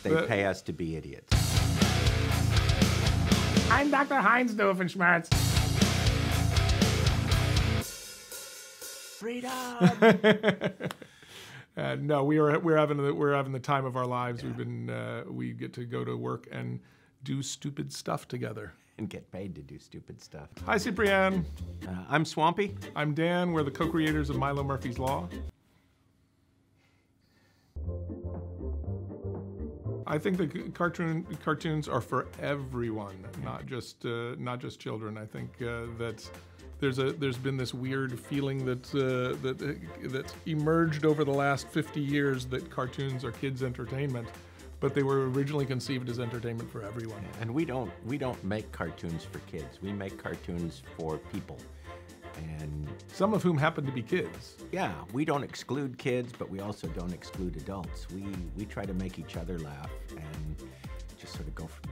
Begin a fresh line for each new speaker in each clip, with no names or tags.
They pay us to be idiots.
I'm Dr. Heinz Doofenshmirtz.
Freedom!
No, we're having the time of our lives. Yeah. We get to go to work and do stupid stuff together.
And get paid to do stupid stuff.
Hi, Ciprian.
I'm Swampy.
I'm Dan. We're the co-creators of Milo Murphy's Law. I think the cartoons are for everyone, not just children. I think that there's been this weird feeling that emerged over the last 50 years that cartoons are kids' entertainment, but they were originally conceived as entertainment for everyone.
And we don't make cartoons for kids. We make cartoons for people. And
some of whom happen to be kids.
Yeah, we don't exclude kids, but we also don't exclude adults. We try to make each other laugh and just sort of go from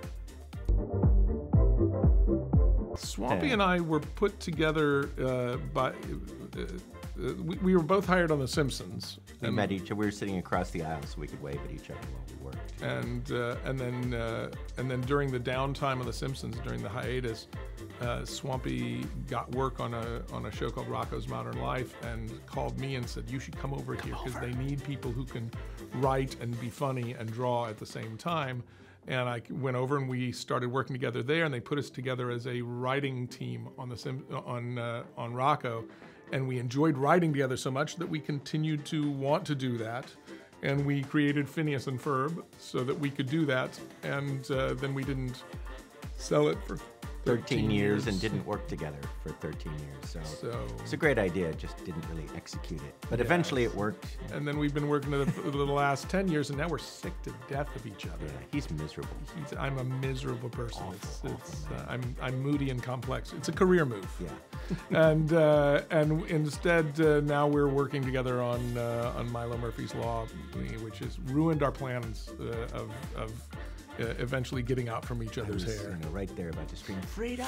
there.
Swampy and I were put together by. We were both hired on The Simpsons.
We met each other. We were sitting across the aisle so we could wave at each other while we worked.
And then during the downtime of The Simpsons, during the hiatus, Swampy got work on a show called Rocko's Modern Life and called me and said, "You should come over here because they need people who can write and be funny and draw at the same time." And I went over and we started working together there, and they put us together as a writing team on Rocko. And we enjoyed writing together so much that we continued to want to do that. And we created Phineas and Ferb so that we could do that. And then we didn't sell it for 13 years
and didn't work together for 13 years. So it's a great idea, just didn't really execute it. But eventually it worked.
And then we've been working for the last 10 years, and now we're sick to death of each other.
Yeah, he's miserable.
I'm a miserable person.
Awful,
I'm moody and complex. It's a career move.
Yeah.
and instead now we're working together on Milo Murphy's Law, which has ruined our plans of eventually getting out from each other's hair.
Right there about to scream freedom.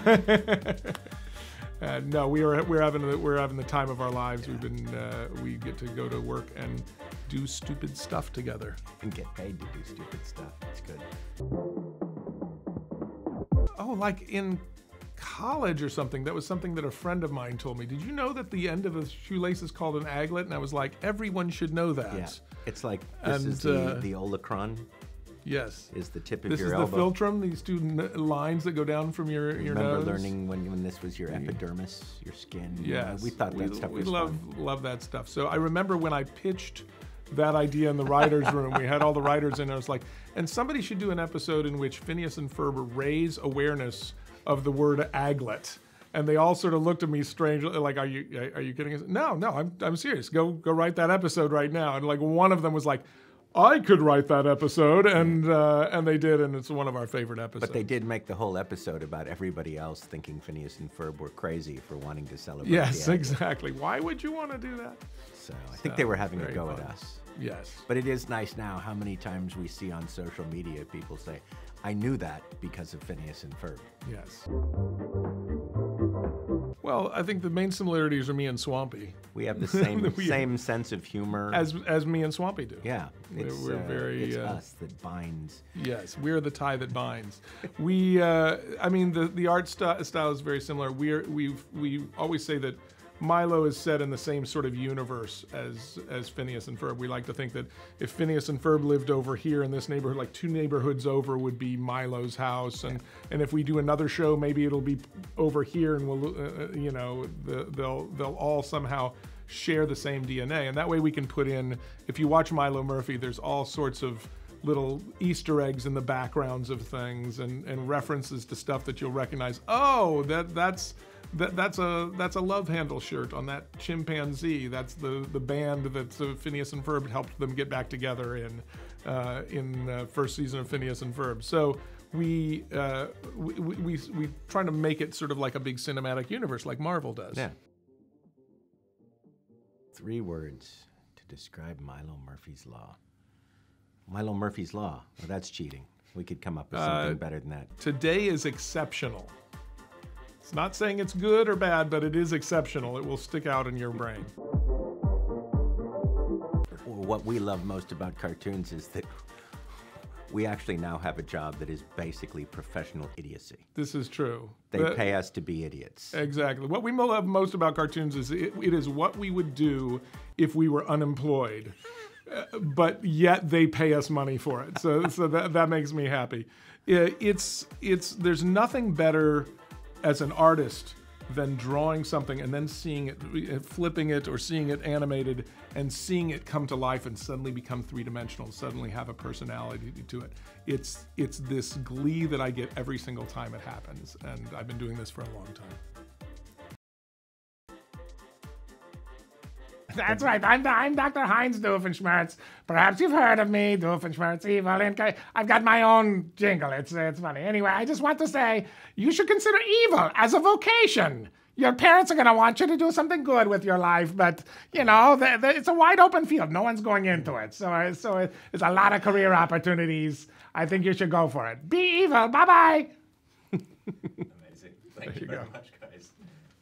No, we're having the time of our lives. We get to go to work and do stupid stuff together
and get paid to do stupid stuff. It's good.
Oh, like in college or something. That was something that a friend of mine told me. Did you know that the end of a shoelace is called an aglet? And I was like, everyone should know that.
Yeah, it's like this is the olecron.
Yes.
Is the tip of your
elbow. This is the philtrum, these two lines that go down from your nose.
Remember learning when this was your epidermis, your skin?
Yes.
We thought that stuff was
fun. We love that stuff. So I remember when I pitched that idea in the writer's room, we had all the writers in, and I was like, and somebody should do an episode in which Phineas and Ferb raise awareness of the word aglet. And they all sort of looked at me strangely, like, "Are you kidding us?" No, I'm serious. Go write that episode right now. And like one of them was like, "I could write that episode," and they did, and it's one of our favorite episodes.
But they did make the whole episode about everybody else thinking Phineas and Ferb were crazy for wanting to celebrate.
Yes, exactly. Why would you want to do that?
So I think they were having a go at us.
Yes.
But it is nice now how many times we see on social media people say, "I knew that because of Phineas and Ferb."
Yes. Well, I think the main similarities are me and Swampy.
We have the same sense of humor
as me and Swampy do.
Yeah,
we're very.
It's us that binds.
Yes, we're the tie that binds. I mean, the art style is very similar. We always say that Milo is set in the same sort of universe as Phineas and Ferb. We like to think that if Phineas and Ferb lived over here in this neighborhood, like 2 neighborhoods over would be Milo's house, and if we do another show, maybe it'll be over here, and we'll they'll all somehow share the same DNA, and that way we can put in. If you watch Milo Murphy, there's all sorts of little Easter eggs in the backgrounds of things, and references to stuff that you'll recognize. Oh, that's a Love Handle shirt on that chimpanzee. That's the band that Phineas and Ferb helped them get back together in first season of Phineas and Ferb. So we try to make it sort of like a big cinematic universe, like Marvel does.
Yeah. 3 words to describe Milo Murphy's Law. Milo Murphy's Law. Well, that's cheating. We could come up with something better than that.
Today is exceptional. It's not saying it's good or bad, but it is exceptional. It will stick out in your brain.
What we love most about cartoons is that we actually now have a job that is basically professional idiocy.
This is true.
They pay us to be idiots.
Exactly. What we love most about cartoons is it is what we would do if we were unemployed, but yet they pay us money for it. So that makes me happy. There's nothing better as an artist than drawing something and then seeing it, flipping it or seeing it animated and seeing it come to life and suddenly become three-dimensional, suddenly have a personality to it. It's this glee that I get every single time it happens, and I've been doing this for a long time.
That's right. I'm Dr. Heinz Doofenshmirtz. Perhaps you've heard of me, Doofenshmirtz Evil. And I've got my own jingle. It's funny. Anyway, I just want to say you should consider evil as a vocation. Your parents are going to want you to do something good with your life, but, you know, it's a wide open field. No one's going into it. So it's a lot of career opportunities. I think you should go for it. Be evil. Bye-bye.
Amazing. Thank you very much, guys.